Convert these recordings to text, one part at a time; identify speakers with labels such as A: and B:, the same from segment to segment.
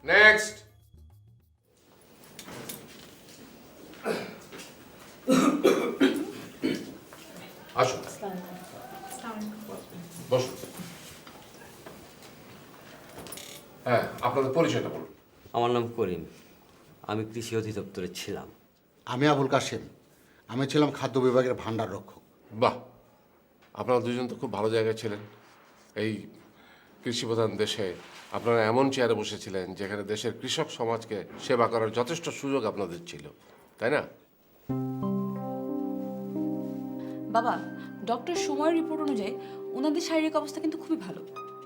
A: Next. আসুন, বসুন। হ্যাঁ, আপনাদের পরিচয়টা বলুন।
B: আমার নাম করিম, আমি কৃষি অধিদপ্তরে ছিলাম।
C: আমি আবুল কাশেম, আমি ছিলাম খাদ্য বিভাগের ভাণ্ডার রক্ষক।
A: বাহ, আপনারা দুজন তো খুব ভালো জায়গায় ছিলেন। এই কৃষিপ্রধান দেশে আপনারা এমন চেয়ারে বসেছিলেন যেখানে দেশের কৃষক সমাজকে সেবা করার যথেষ্ট সুযোগ আপনাদের ছিল, তাই না?
D: বাবা, ডক্টর সুময়ের রিপোর্ট অনুযায়ী ওনাদের শারীরিক অবস্থা কিন্তু খুবই ভালো।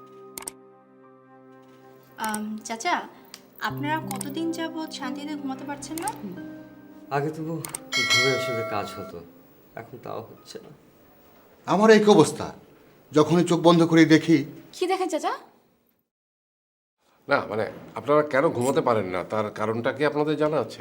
E: চাচা, আপনারা কতদিন যাবৎ শান্তিতে ঘুমাতে পারছেন না?
B: আগে তবু ঘুরে আসলে কাজ হতো, এখন তাও হচ্ছে না।
C: আমার এই অবস্থা, যখনই চোখ বন্ধ করে দেখি।
D: কি দেখেন চাচা?
A: না মানে আপনারা কেন ঘুমাতে পারেন না তার কারণটা কি আপনাদের জানা আছে?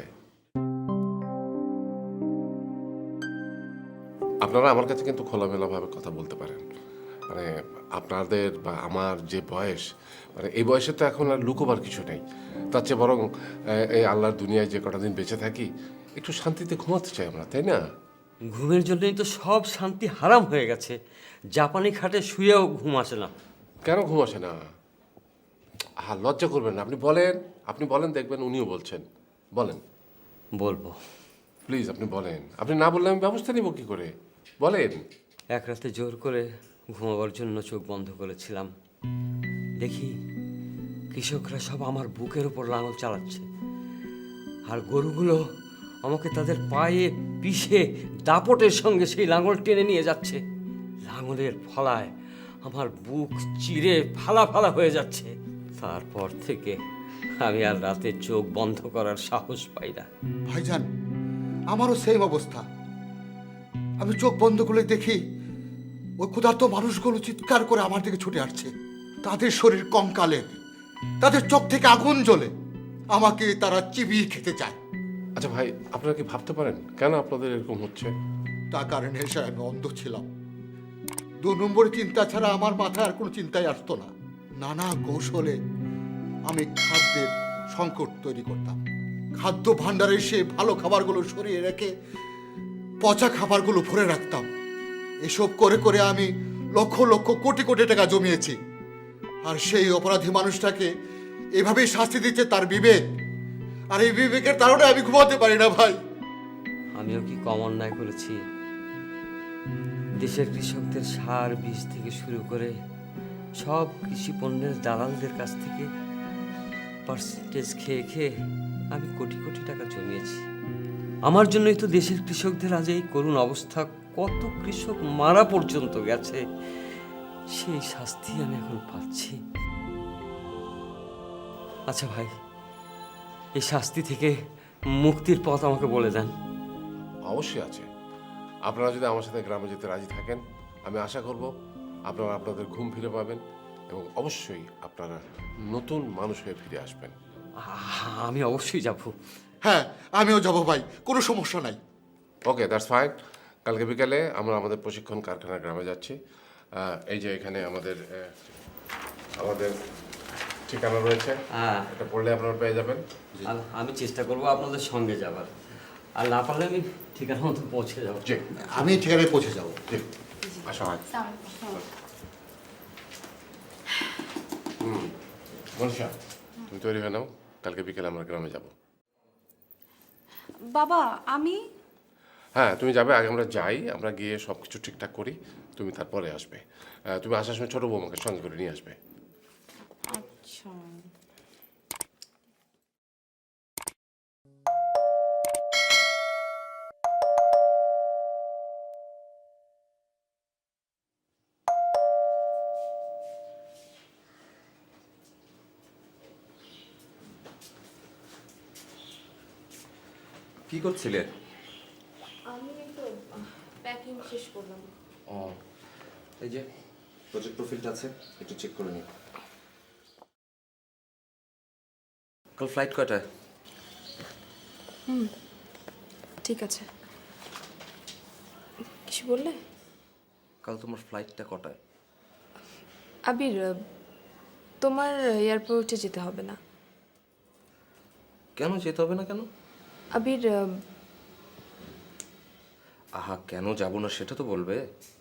A: আপনারা আমার কাছে কিন্তু খোলামেলাভাবে কথা বলতে পারেন। মানে আপনাদের বা আমার যে বয়স, মানে এই বয়সে তো এখন আর লুকোবার কিছু নেই। তার চেয়ে বরং এই আল্লাহর দুনিয়ায় যে কটা দিন বেঁচে থাকি একটু শান্তিতে ঘুমাতে চাই আমরা, তাই না?
B: ঘুমের জন্যই তো সব শান্তি হারাম হয়ে গেছে। জাপানি খাটে শুয়েও ঘুম আসে না।
A: কেন ঘুম আসে না? হ্যাঁ, লজ্জা করবেন না, আপনি বলেন, দেখবেন উনিও বলছেন। বলেন,
B: বলবো।
A: প্লিজ আপনি বলেন। আপনি না বললে আমি ব্যবস্থা নিব কি করে? বলেন।
B: এক রাতে জোর করে ঘুমাবার জন্য চোখ বন্ধ করেছিলাম, দেখি কৃষকরা সব আমার বুকের ওপর লাঙল চালাচ্ছে, আর গরুগুলো আমাকে তাদের পায়ে পিষে দাপটের সঙ্গে সেই লাঙল টেনে নিয়ে যাচ্ছে। লাঙলের ফলায় আমার বুক চিরে ফালা ফালা হয়ে যাচ্ছে। তারপর থেকে আমি আর রাতে চোখ বন্ধ করার সাহস পাই না।
C: ভাইজান, আমারও সেম অবস্থা। আমি চোখ বন্ধ করে দেখি ওই ক্ষুধার্ত মানুষগুলো চিৎকার করে আমার দিকে ছুটে আসছে। তাদের শরীর কঙ্কালের, তাদের চোখ থেকে আগুন জ্বলে, আমাকে তারা চিবিয়ে খেতে চায়।
A: আচ্ছা ভাই, আপনারা কি ভাবতে পারেন কেন আপনাদের এরকম হচ্ছে?
C: তার কারণে এসে আমি অন্ধ ছিলাম। 2 নম্বরের চিন্তা ছাড়া আমার মাথায় আর কোনো চিন্তাই আসতো না। নানা কৌশলে আমি খাদ্যের সংকট তৈরি করতাম। খাদ্য ভাণ্ডারে সে ভালো খাবারগুলো সরিয়ে রেখে পচা খাবারগুলো ভরে রাখতাম। এসব করে করে আমি লক্ষ লক্ষ কোটি কোটি টাকা জমিয়েছি। আর সেই অপরাধী মানুষটাকে এভাবেই শাস্তি দিচ্ছে তার বিবেক। আর এই বিবেকের কারণে আমি ঘুমাতে পারি না ভাই।
B: আমিও কি কম অন্যায় করেছি? দেশের কৃষকদের সার বীজ থেকে শুরু করে সব কৃষি পণ্যের দালালদের কাছ থেকে পার্সেন্টেজ খেয়ে খেয়ে আমি কোটি কোটি টাকা জমিয়েছি। আমার জন্যই তো দেশের কৃষকদের আজ এই করুণ অবস্থা। কত কৃষক মারা পর্যন্ত গেছে, সেই শাস্তি আমি এখন পাচ্ছি। আচ্ছা ভাই, এই শাস্তি থেকে মুক্তির পথ আমাকে বলে দেন।
A: অবশ্যই আছে। আপনারা যদি আমার সাথে গ্রামে যেতে রাজি থাকেন, আমি আশা করব আপনারা আপনাদের ঘুম ফিরে পাবেন এবং অবশ্যই আপনারা নতুন মানুষ হয়ে ফিরে আসবেন।
B: আমি অবশ্যই যাব।
C: হ্যাঁ, আমিও যাবো ভাই, কোনো সমস্যা নাই।
A: Okay, that's fine. কালকে বিকালে আমরা আমাদের প্রশিক্ষণ কারখানা গ্রামে যাচ্ছি। এই যে এখানে আমাদের ঠিকানা রয়েছে,
B: হ্যাঁ,
A: এটা পড়লে আপনারা পেয়ে যাবেন।
B: আমি চেষ্টা করব আপনাদের সঙ্গে যাবার, আর না পারলে আমি ঠিকানা মতো পৌঁছে যাব।
A: জি,
C: আমি ঠিকানায় পৌঁছে যাবো।
A: জি, আসা হয়। মনীষা, তুমি তৈরি হয়ে নাও, কালকে বিকেলে আমরা গ্রামে যাব।
D: বাবা, আমি
A: হ্যাঁ, তুমি যাবে, আগে আমরা যাই, আমরা গিয়ে সব কিছু ঠিকঠাক করি, তুমি তারপরে আসবে। তুমি আসার সময় ছোটো বৌমাকে সঙ্গে করে নিয়ে আসবে।
D: আচ্ছা।
F: কি করছিলে?
G: আমি তো প্যাকিং শেষ করলাম।
F: ও, এই যে প্রজেক্ট প্রোফাইলটা আছে, একটু চেক করে নিই। কাল ফ্লাইট কয়টায়?
G: ঠিক আছে। কিছু বললে?
F: কাল তোমার ফ্লাইটটা কটায়?
G: আবির, তোমার এয়ারপোর্টে যেতে হবে না।
F: কেন যেতে হবে না কেন?
G: আবির
F: আহা, কেন যাব না সেটা তো বলবে।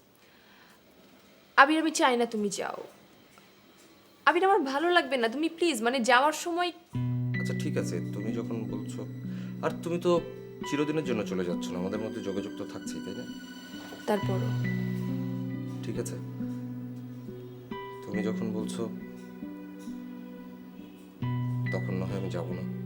G: আবির আমি চাই না তুমি যাও। আবির আমার ভালো লাগবে না, তুমি প্লিজ মানে যাওয়ার সময়।
F: আচ্ছা ঠিক আছে, তুমি যখন বলছো। আর তুমি তো চিরদিনের জন্য চলে যাচ্ছ না, আমাদের মধ্যে যোগাযোগ তো থাকছেই, তাই না?
G: তারপরও
F: ঠিক আছে, তুমি যখন বলছো তখন না হয় আমি যাব না।